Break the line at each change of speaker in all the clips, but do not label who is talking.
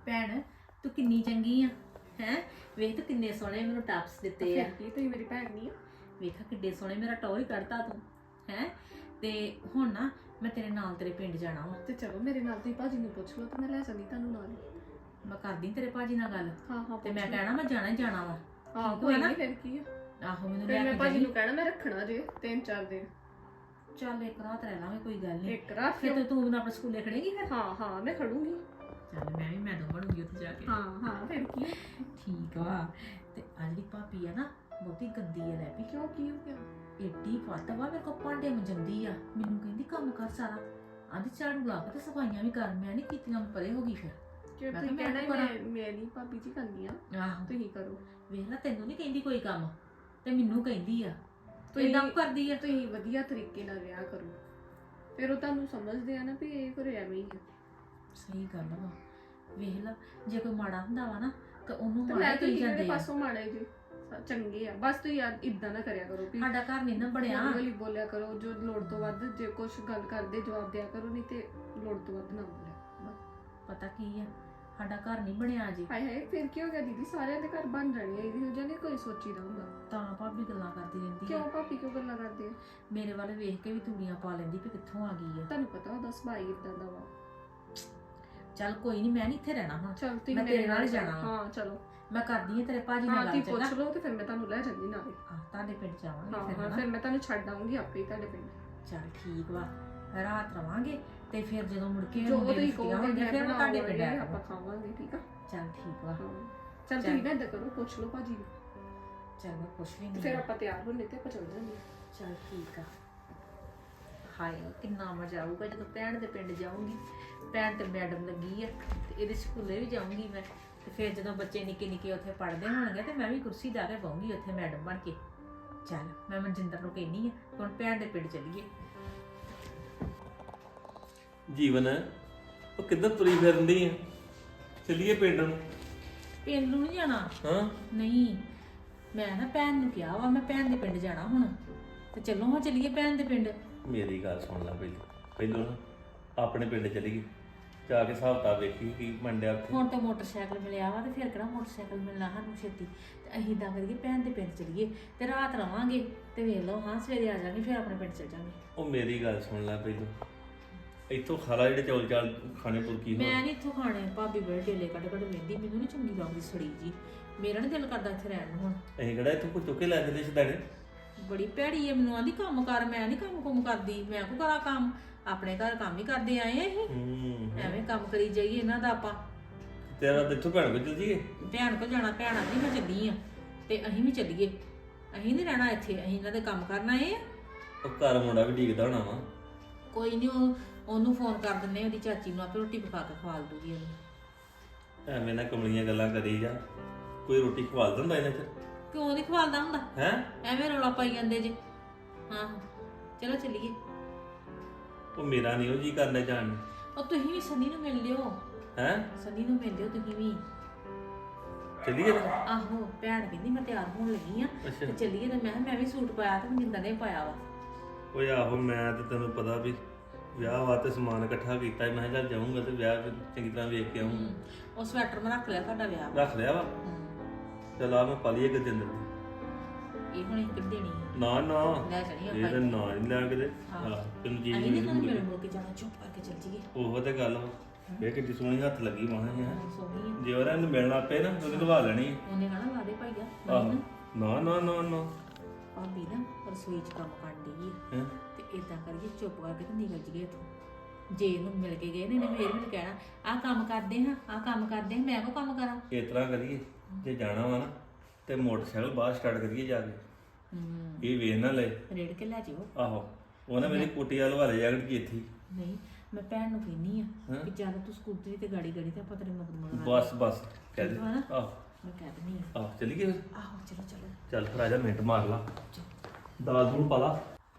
ਭੈਣ ਤੂੰ ਕਿੰਨੀ ਚੰਗੀ ਆ ਹੈ। ਵੇਖ ਤੂੰ ਕਿੰਨੇ ਸੋਹਣੇ ਮੈਨੂੰ ਟਾਪਸ ਦਿੱਤੇ ਆ।
ਕੀ ਤੁਸੀਂ ਮੇਰੀ ਭੈਣ ਨਹੀਂ ਆ?
ਵੇਖ ਕਿੱਡੇ ਸੋਹਣੇ ਮੇਰਾ ਟੌਰ ਹੀ ਕੱਢਤਾ ਤੂੰ ਹੈ। ਤੇ ਹੁਣ ਨਾ ਮੈਂ ਤੇਰੇ ਨਾਲ ਤੇਰੇ ਪਿੰਡ ਜਾਣਾ ਵਾ।
ਤੇ ਚਲੋ ਮੇਰੇ ਨਾਲ ਤੁਸੀਂ ਭਾਜੀ ਨੂੰ ਪੁੱਛ ਲਓ ਤੇ ਮੈਂ ਲੈ ਜਾਂਦੀ ਤੁਹਾਨੂੰ ਨਾਲ।
ਮੈਂ ਕਰਦੀ ਤੇਰੇ ਭਾਜੀ ਨਾਲ ਗੱਲ
ਹਾਂ ਹਾਂ
ਤੇ ਮੈਂ ਕਹਿਣਾ ਮੈਂ ਜਾਣਾ ਹੀ ਜਾਣਾ ਵਾ।
ਹਾਂ
ਠੀਕ
ਕੋਈ
ਵਾ ਨਾ?
ਨਹੀਂ ਫਿਰ ਕੀ ਆ।
ਆਹੋ ਮੈਨੂੰ
ਫਿਰ
ਲੈ
ਮੈਂ
ਕੇ
ਭਾਜੀ
ਜਾਈਂ।
ਨੂੰ ਕਹਿਣਾ ਮੈਂ ਰੱਖਣਾ ਜੇ 3-4 ਦਿਨ।
ਚੱਲ ਇੱਕ ਰਾਤ ਰਹਿ ਲਾਂਗੇ ਕੋਈ ਗੱਲ ਨਹੀਂ।
ਇੱਕ ਰਾਤ
ਫਿਰ ਤੂੰ ਮੈਨੂੰ ਆਪਣੇ ਸਕੂਲੇ ਖੜੇਗੀ ਫਿਰ।
ਹਾਂ ਹਾਂ ਮੈਂ ਖੜੂੰਗੀ।
ਚੱਲ ਮੈਂ ਵੀ ਮੈਡਮ ਬਣੂਗੀ ਉੱਥੇ ਜਾ ਕੇ।
ਹਾਂ ਹਾਂ ਫਿਰ ਕੀ ਆ?
ਠੀਕ ਵਾ। ਤੇ ਆ ਜਿਹੜੀ ਭਾਬੀ ਆ ਨਾ ਬਹੁਤੀ ਗੰਦੀ ਆ ਲੈ ਵੀ।
ਕਿਉਂ ਕੀ ਹੋ ਗਿਆ?
ਏਡੀ ਫੱਟ ਵਾ ਮੇਰੇ ਕੋਲ ਭਾਂਡੇ ਮੰਜੰਦੀ ਆ। ਮੈਨੂੰ ਕਹਿੰਦੀ ਕੰਮ ਕਰ ਸਾਰਾ। ਆਂਦੀ ਝਾੜੂ ਲਾ ਕੇ ਤੇ ਸਫਾਈਆਂ ਵੀ ਕਰ। ਮੈਂ ਨਹੀਂ ਕੀਤੀਆਂ ਮੈਂ ਪਰੇ ਹੋ ਗਈ ਫਿਰ।
ਕਿ
ਮੈਂ
ਤੁਸੀਂ
ਕਿਹਾ
ਕਹਿਣਾ
ਮੈਂ
ਮੈਂ ਨਹੀਂ ਭਾਬੀ ਜੀ ਕਰਨੀ ਆ।
ਆਹੋ
ਤੁਸੀਂ ਕਰੋ।
ਵੇਖ ਲੈ ਤੈਨੂੰ ਨਹੀਂ ਕਹਿੰਦੀ ਕੋਈ ਕੰਮ ਤੇ ਮੈਨੂੰ ਕਹਿੰਦੀ ਆ। ਤੂੰ
ਤੁਸੀਂ-
ਇਦਾਂ ਕਰਦੀ ਆ।
ਤੁਸੀਂ ਵਧੀਆ ਤਰੀਕੇ ਨਾਲ ਵਿਆਹ ਕਰੋ। ਫਿਰ ਉਹ ਤੁਹਾਨੂੰ ਸਮਝਦੇ ਆ ਨਾ ਵੀ ਇਹ ਘਰੇ ਐਵੇਂ ਹੀ ਆ।
ਸਹੀ ਗੱਲ ਵਾ। ਵੇਖ ਲੈ ਜੇ ਕੋਈ ਮਾੜਾ ਹੁੰਦਾ ਵਾ ਨਾ ਤਾਂ ਉਹਨੂੰ
ਤੇ
ਮਾੜਾ
ਮੈਂ
ਕਹੀ
ਤੁਸੀਂ
ਜਾਂਦੇ
ਇਹਦੇ
ਆ।
ਪਾਸੋਂ ਮਾੜੇ ਜੀ ਚੰਗੇ ਆ। ਬਸ ਤੁਸੀਂ ਇਦਾਂ ਨਾ ਕਰਿਆ ਕਰੋ ਵੀ
ਸਾਡਾ ਘਰ ਨਹੀਂ ਨਾ ਬਣਿਆ।
ਹੌਲੀ ਬੋਲਿਆ ਕਰੋ। ਜੋ ਲੋੜ ਤੋਂ ਵੱਧ ਜੇ ਕੁਝ ਗੱਲ ਕਰਦੇ ਜਵਾਬ ਦਿਆ ਕਰੋ, ਨਹੀਂ ਤੇ ਲੋੜ ਤੋਂ ਵੱਧ ਨਾ ਬੋਲਿਆ ਬਸ।
ਪਤਾ ਕੀ ਆ ਸਾਡਾ ਘਰ ਨਹੀਂ ਬਣਿਆ ਜੀ।
ਹਾਏ ਹਾਏ ਫਿਰ ਕੀ ਹੋ ਗਿਆ ਦੀਦੀ? ਸਾਰਿਆਂ ਦੇ ਘਰ ਬਣ ਜਾਣੇ ਆ। ਇਹੋ ਜਿਹਾ ਨਹੀਂ ਕੋਈ ਸੋਚੀਦਾ ਹੁੰਦਾ।
ਤਾਂ ਭਾਬੀ ਗੱਲਾਂ ਕਰਦੀ ਰਹਿੰਦੀ ਆ।
ਕਿਉਂ ਭਾਬੀ ਕਿਉਂ ਗੱਲਾਂ ਕਰਦੇ ਆ?
ਮੇਰੇ ਵੱਲ ਵੇਖ ਕੇ ਵੀ ਦੁਨੀਆ ਪਾ ਲੈਂਦੀ ਵੀ ਕਿੱਥੋਂ ਆ ਗਈ ਆ।
ਤੁਹਾਨੂੰ ਪਤਾ ਉਹਦਾ ਸੁਭਾਅ ਹੀ ਇਦਾਂ ਦਾ ਵਾ।
ਚੱਲ ਕੋਈ ਨਹੀਂ ਮੈਂ ਨਹੀਂ ਇੱਥੇ ਰਹਿਣਾ ਹੁਣ।
ਚਲ ਤੁਸੀਂ
ਮੈਂ
ਮੇਰੇ
ਤੇਰੇ ਨਾਲ
ਨਾਲ
ਜਾਣਾ ਵਾ।
ਹਾਂ ਚਲੋ।
ਮੈਂ ਕਰਦੀ ਆ ਤੇਰੇ ਭਾਜੀ
ਹਾਂ
ਨਾਲ
ਤੁਸੀਂ
ਗੱਲ
ਪੁੱਛ
ਚੰਗਾ।
ਲਓ ਤੇ ਫਿਰ ਮੈਂ ਤੁਹਾਨੂੰ ਲੈ ਜਾਂਦੀ ਨਾਲੇ।
ਤੁਹਾਡੇ ਪਿੰਡ ਜਾਵਾਂਗੇ
ਹਾਂ
ਫਿਰ
ਹਾਂ
ਹਨਾ।
ਫਿਰ ਮੈਂ ਤੁਹਾਨੂੰ ਛੱਡ ਆਉਂਗੀ ਆਪੇ ਹੀ ਤੁਹਾਡੇ ਪਿੰਡ।
ਚੱਲ ਠੀਕ ਵਾ। ਰਾਤ ਰਵਾਂਗੇ ਤੇ ਫਿਰ ਜਦੋਂ ਮੁੜ ਕੇ
ਜੋ
ਮੁੰਡੇ
ਤੁਸੀਂ
ਛੁੱਟੀਆਂ
ਕਹੋਗੇ
ਹੋਣਗੀਆਂ ਫਿਰ ਮੈਂ ਤੁਹਾਡੇ ਪਿੰਡ
ਬਣਾਵਾਂਗੇ,
ਆਵਾਂਗਾ।
ਆਪਾਂ ਖਾਵਾਂਗੇ। ਠੀਕ ਆ?
ਚੱਲ ਠੀਕ ਵਾ।
ਹਾਂ ਚਲ ਤੁਸੀਂ ਨਾ ਏਦਾਂ ਕਰੋ, ਪੁੱਛ ਲਓ ਭਾਜੀ ਨੂੰ।
ਚੱਲ ਮੈਂ ਪੁੱਛ
ਤੇ
ਲੈਂਦੀ
ਫਿਰ
ਆ।
ਆਪਾਂ ਤਿਆਰ ਹੋਣੇ ਤੇ ਆਪਾਂ ਚੱਲ ਜਾਂਗੇ।
ਚੱਲ ਠੀਕ ਆ। ਹਾਏ ਕਿੰਨਾ ਮਜ਼ਾ ਆਊਗਾ ਜਦੋਂ ਭੈਣ ਦੇ ਪਿੰਡ ਜਾਊਂਗੀ। ਭੈਣ ਤੇ ਮੈਡਮ ਲੱਗੀ ਆ ਤੇ ਇਹਦੇ ਸਕੂਲੇ ਵੀ ਜਾਊਂਗੀ ਮੈਂ। ਤੇ ਫਿਰ ਜਦੋਂ ਬੱਚੇ ਨਿੱਕੇ ਨਿੱਕੇ ਉੱਥੇ ਪੜ੍ਹਦੇ ਹੋਣਗੇ ਤੇ ਮੈਂ ਵੀ ਕੁਰਸੀ ਢਾ ਕੇ ਬਹੂੰਗੀ ਉੱਥੇ ਮੈਡਮ ਬਣ ਕੇ। ਚੱਲ ਮੈਂ ਮਨਜਿੰਦਰ ਨੂੰ ਕਹਿੰਦੀ ਆ ਹੁਣ ਭੈਣ ਦੇ ਪਿੰਡ ਚੱਲੀਏ।
ਜੀਵਨ ਉਹ ਕਿੱਧਰ ਤੁਰੀ ਫਿਰਦੀ ਆ? ਚੱਲੀਏ ਪਿੰਡ ਨੂੰ।
ਪਿੰਡ ਨੂੰ ਨਹੀਂ ਜਾਣਾ।
ਹਾਂ
ਨਹੀਂ ਮੈਂ ਨਾ ਭੈਣ ਨੂੰ ਕਿਹਾ ਵਾ ਮੈਂ ਭੈਣ ਦੇ ਪਿੰਡ ਜਾਣਾ ਹੁਣ। ਤੇ ਚੱਲੋ ਹਾਂ ਚੱਲੀਏ ਭੈਣ ਦੇ ਪਿੰਡ।
ਮੇਰੀ ਗੱਲ ਸੁਣ ਲੈ ਪਹਿਲੋਂ ਨਾ ਆਪਣੇ ਪਿੰਡ ਚੱਲੀਏ। ਜਾ ਕੇ ਹਿਸਾਬ ਕਿਤਾਬ ਵੇਖੀ ਕੀ ਮੰਡਿਆ ਉੱਥੇ।
ਹੁਣ ਤਾਂ ਮੋਟਰਸਾਈਕਲ ਮਿਲਿਆ ਵਾ ਤੇ ਫਿਰ ਕਿਹੜਾ ਮੋਟਰਸਾਈਕਲ ਮਿਲਣਾ ਸਾਨੂੰ ਛੇਤੀ। ਤੇ ਅਸੀਂ ਇਦਾਂ ਕਰੀਏ ਭੈਣ ਦੇ ਪਿੰਡ ਚੱਲੀਏ ਤੇ ਰਾਤ ਰਵਾਂਗੇ ਤੇ ਵੇਖ ਲਓ ਹਾਂ ਸਵੇਰੇ ਆ ਜਾਵਾਂਗੇ ਫਿਰ ਆਪਣੇ ਪਿੰਡ ਚੱਲ ਜਾਵਾਂਗੇ।
ਉਹ ਮੇਰੀ ਗੱਲ ਸੁਣ ਲੈ ਪਹਿਲੋਂ। ਇੱਥੋਂ ਖਾਲਾ ਜਿਹੜੇ ਚੌਲ ਚਾਲ ਖਾਣੇ ਪੁਰਕੀ ਹੋ।
ਮੈਂ ਨਹੀਂ ਇੱਥੋਂ ਖਾਣੇ। ਭਾਬੀ ਬੜੇ ਢੇਲੇ ਕੱਢ ਕੱਢ ਵੇਂਦੀ ਮੈਨੂੰ ਨਹੀਂ ਚੰਗੀ ਲੱਗਦੀ ਸੜੀ ਜੀ। ਮੇਰਾ ਨਹੀਂ ਦਿਲ ਕਰਦਾ ਇੱਥੇ ਰਹਿਣ ਨੂੰ ਹੁਣ।
ਅਸੀਂ ਕਿਹੜਾ ਇੱਥੋਂ ਕੋਈ ਚੁੱਕੇ ਲੈ ਜਾਂਦੇ ਸਿੱਧਾਣੇ।
ਬੜੀ ਭੈੜੀ ਹੈ ਮੈਨੂੰ ਆਂਦੀ ਕੰਮ ਕਰ। ਮੈਂ ਨਹੀਂ ਕੰਮ ਕੁਮ ਕਰਦੀ। ਮੈਂ ਕੋ ਕਰਾਂ ਕੰਮ? ਆਪਣੇ ਘਰ ਕੰਮ ਹੀ ਕਰਦੇ ਆਏ ਆ ਅਸੀਂ। ਐਵੇਂ ਕੰਮ ਕਰੀ ਜਾਈਏ ਇਹਨਾਂ ਦਾ ਆਪਾਂ।
ਤੇਰਾ ਤਾਂ ਇੱਥੋਂ ਭੈਣ ਕੋਲ ਚੱਲ ਜੀਏ।
ਭੈਣ ਕੋ ਜਾਣਾ। ਭੈਣ ਆਂਦੀ ਮੈਂ ਚੱਲੀ ਆ ਤੇ ਅਸੀਂ ਵੀ ਚੱਲੀਏ। ਅਸੀਂ ਨਹੀਂ ਰਹਿਣਾ ਇੱਥੇ। ਅਸੀਂ ਇਹਨਾਂ ਦੇ ਕੰਮ ਕਰਨ ਆਏ ਆ।
ਉਹ ਘਰ ਮੁੰਡਾ ਵੀ ਡੀਕਦਾ ਹੋਣਾ ਵਾ।
ਕੋਈ ਨਹੀਂ ਉਹਨੂੰ ਫੋਨ ਕਰ ਦਿੰਨੇ ਉਹਦੀ ਚਾਚੀ ਨੂੰ ਆਪੇ ਰੋਟੀ ਪਕਾ ਕੇ ਖਵਾ ਦੂਗੀ ਉਹਨੂੰ।
ਐਵੇਂ ਨਾ ਕਮਲੀਆਂ ਗੱਲਾਂ ਕਰੀ ਜਾ। ਕੋਈ ਰੋਟੀ ਖਵਾ ਦਿੰਦਾ ਇਹਨਾਂ ਚ?
ਕਿਉਂ ਨਹੀਂ ਖਵਾਲਦਾ ਹੁੰਦਾ?
ਹੈ
ਐਵੇਂ ਰੌਲਾ ਪਾਈ ਜਾਂਦੇ ਜੇ। ਹਾਂ ਚਲੋ ਚੱਲੀਏ।
ਉਹ ਮੇਰਾ ਨਹੀਂ ਉਹ ਜੀ ਕਰਨਾ ਜਾਣ ਨੂੰ।
ਉਹ ਤੁਸੀਂ ਵੀ ਸਨੀ ਨੂੰ ਮਿਲ ਲਿਓ।
ਹੈ
ਸਨੀ ਨੂੰ ਮਿਲ ਲਿਓ ਤੁਸੀਂ ਵੀ।
ਚੱਲੀਏ ਨਾ।
ਆਹੋ ਭੈਣ ਕਹਿੰਦੀ ਮੈਂ ਤਿਆਰ ਹੋਣ ਲੱਗੀ ਆ
ਅੱਛਾ
ਤੇ ਚੱਲੀਏ। ਤੇ ਮੈਂ ਕਿਹਾ ਮੈਂ ਵੀ ਸੂਟ ਪਾਇਆ ਤੇ ਮਨਿੰਦਰ ਨੇ ਪਾਇਆ ਵਾ।
ਓਏ ਆਹੋ ਮੈਂ ਤੇ ਤੈਨੂੰ ਪਤਾ ਵੀ ਵਿਆਹ ਵਾਸਤੇ ਸਮਾਨ ਇਕੱਠਾ ਕੀਤਾ ਸੀ। ਮੈਂ ਕਿਹਾ ਚੱਲ ਜਾਊਂਗਾ ਤੇ ਵਿਆਹ ਫਿਰ ਚੰਗੀ ਤਰ੍ਹਾਂ ਵੇਖ ਕੇ ਆਊਂਗਾ।
ਉਹ ਸਵੈਟਰ ਮੈਂ ਰੱਖ ਲਿਆ ਤੁਹਾਡਾ ਵਿਆਹ ਵਾ।
ਰੱਖ ਲਿਆ ਵਾ। ਚੱਲ ਆ ਮੈਂ ਪਾ ਲਈਏ ਕਿ ਦਿਨ ਦੀ।
ਇਹ ਹੁਣ ਇੱਕ ਦੇਣੀ
ਨਾ ਨਾ
ਲੈ ਜਾਣੀ
ਇਹ ਤਾਂ
ਆਪਾਂ।
ਨਾ ਨਹੀਂ ਲੈ ਕੇ
ਹਾਂ।
ਤੈਨੂੰ ਚੀਜ਼
ਅਸੀਂ ਨਹੀਂ ਤੁਹਾਨੂੰ
ਮਿਲ
ਮਿਲ ਮੁੜ ਕੇ ਜਾਣਾ। ਚੁੱਪ ਕਰਕੇ ਚੱਲ ਜੀਏ।
ਉਹ ਤੇ ਗੱਲ ਵਾ। ਇਹ ਕਿੱਡੀ ਸੋਹਣੀ ਹੱਥ ਲੱਗੀ ਮਾਂ ਹੈ।
ਸੋਹਣੀ ਆ।
ਜੇ ਉਹਨਾਂ ਨੂੰ ਮਿਲਣਾ ਪਏ ਨਾ ਉਹਨੇ ਲਵਾ ਲੈਣੀ।
ਉਹਨੇ ਕਹਣਾ ਲਾ ਦੇ ਭਾਈਆ।
ਆਹੋ ਨਾ ਨਾ ਨਾ ਨਾ
ਭਾਬੀ ਨਾ ਰਸੋਈ 'ਚ ਕੰਮ ਕਰਨ ਡਈ ਆ
ਹੈਂ?
ਤੇ ਇਦਾਂ ਕਰੀਏ ਚੁੱਪ ਕਰਕੇ ਤੇ ਨਿਕਲ ਜੀਏ ਇੱਥੋਂ। ਜੇ ਇਹਨੂੰ ਮਿਲ ਕੇ ਗਏ ਨੇ ਫੇਰ ਮੈਨੂੰ ਕਹਿਣਾ ਆਹ ਕੰਮ ਕਰਦੇ ਹਾਂ ਆਹ ਕੰਮ ਕਰਦੇ ਹਾਂ। ਮੈਂ ਕੋ ਕੰਮ ਕਰਾਂ?
ਇਸ ਤਰ੍ਹਾਂ ਕਰੀਏ ਜੇ ਜਾਣਾ ਵਾ ਨਾ ਤੇ ਮੋਟਰਸਾਈਕਲ ਬਾਹਰ ਸਟਾਰਟ ਕਰੀਏ ਜਾ ਕੇ। ਇਹ ਵੇਖ ਨਾ ਲੈ।
ਰੇੜ ਕੇ ਲੈ ਜਿਓ।
ਆਹੋ ਉਹ ਨਾ ਮੇਰੀ ਕੁੱਟੀ ਵਾਲ ਵਾਲੇ ਜਾਗੜ ਕੀ ਇੱਥੇ।
ਨਹੀਂ ਮੈਂ ਭੈਣ ਨੂੰ ਕਹਿੰਦੀ ਆ ਕਿ ਚੱਲ ਤੂੰ ਸਕੂਟਰੀ ਤੇ ਗਾੜੀ ਤੇ ਆਪਾਂ ਤੇਰੇ ਮਗਰ ਮਗਰ
ਬਸ ਕਹਿ ਦੇ।
ਠੀਕ ਵਾ ਨਾ?
ਆਹ
ਮੈਂ ਕਹਿ ਦਿੰਦੀ ਆ।
ਆਹ ਚੱਲੀਏ ਫਿਰ।
ਆਹੋ ਚਲੋ ਚਲੋ।
ਚੱਲ ਫਿਰ ਆ ਜਾ ਮਿੰਟ ਮਾਰ ਲਾ। ਦਾਲ ਦੂਲ ਪਾ ਲਾ।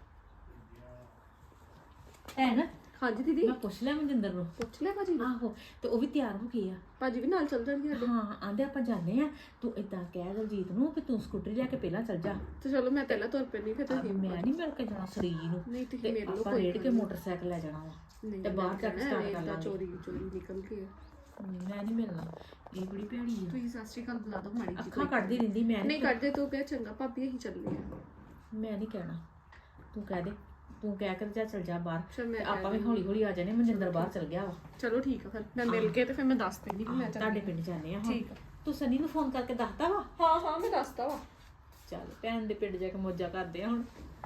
ਭੈਣ
ਹਾਂਜੀ ਦੀਦੀ
ਮੈਂ ਪੁੱਛ ਲਿਆ ਮਨਜਿੰਦਰ ਨੂੰ।
ਪੁੱਛ ਲਿਆ ਭਾਜੀ ਨੂੰ?
ਆਹੋ ਤੇ ਉਹ ਵੀ ਤਿਆਰ ਹੋ ਗਈ ਆ।
ਭਾਜੀ ਵੀ ਨਾਲ ਚੱਲ ਜਾਣਗੇ ਸਾਡੇ।
ਹਾਂ ਆਂਦੇ ਆਪਾਂ ਜਾਂਦੇ ਆ। ਤੂੰ ਇਦਾਂ ਕਹਿ ਦਲਜੀਤ ਨੂੰ ਕਿ ਤੂੰ ਸਕੂਟਰੀ ਲੈ ਕੇ ਪਹਿਲਾਂ ਚੱਲ ਜਾ।
ਤੇ ਚਲੋ ਮੈਂ ਪਹਿਲਾਂ ਤੁਰ ਪੈਣੀ ਫਿਰ ਤੁਸੀਂ।
ਮੈਂ ਨਹੀਂ ਮਿਲ ਕੇ ਜਾਣਾ ਸਰੀਰ ਨੂੰ।
ਨਹੀਂ ਤੁਸੀਂ
ਤੇ
ਮੇਰੇ ਲੋ
ਆਪਾਂ
ਕੋਈ
ਰੇੜ ਕੇ ਮੋਟਰਸਾਈਕਲ ਲੈ ਜਾਣਾ ਵਾ
ਨਹੀਂ
ਤੇ ਬਾਹਰ ਜਾ ਕੇ ਸਟਾਰਟ ਕਰ ਲਾਂਗੇ।
ਚੋਰੀ ਨਿਕਲ ਕੇ।
ਮੈਂ ਨਹੀਂ ਮਿਲਣਾ, ਇਹ ਬੜੀ ਭੈੜੀ ਆ।
ਤੁਸੀਂ ਸਤਿ ਸ਼੍ਰੀ ਅਕਾਲ ਬੁਲਾ ਦੋ ਮਾੜੀ ਜੀ।
ਅੱਖਾਂ ਕੱਢਦੀ ਰਹਿੰਦੀ, ਮੈਂ
ਨਹੀਂ ਕੱਢਦੇ ਤੂੰ ਕਹਿ ਚੰਗਾ ਭਾਬੀ ਅਸੀਂ ਚੱਲੇ ਆ।
ਮੈਂ ਨਹੀਂ ਕਹਿਣਾ, ਤੂੰ ਕਹਿ ਦੇ, ਤੂੰ ਕਹਿ ਕੇ ਤੇ ਚੱਲ ਜਾ ਬਾਹਰ।
ਚਲ ਮੈਂ
ਤੇ ਆਪਾਂ ਵੀ ਹੌਲੀ ਹੌਲੀ ਆ ਜਾਣੇ। ਮਨਜਿੰਦਰ ਬਾਹਰ ਚਲ ਗਿਆ ਵਾ,
ਚਲੋ ਠੀਕ ਆ, ਫਿਰ ਮੈਂ ਮਿਲ ਕੇ ਤੇ ਫਿਰ ਮੈਂ ਦੱਸ ਦਿੰਦੀ ਕਿ ਮੈਂ
ਤੁਹਾਡੇ ਪਿੰਡ ਜਾਂਦੇ ਆ।
ਠੀਕ ਆ।
ਤੂੰ ਸਨੀ ਨੂੰ ਫੋਨ ਕਰਕੇ ਦੱਸਦਾ ਵਾ?
ਹਾਂ ਮੈਂ ਦੱਸਦਾ ਵਾ।
ਚੱਲ ਭੈਣ ਦੇ ਪਿੰਡ ਜਾ ਕੇ ਮੌਜਾਂ ਕਰਦੇ ਆ ਹੁਣ।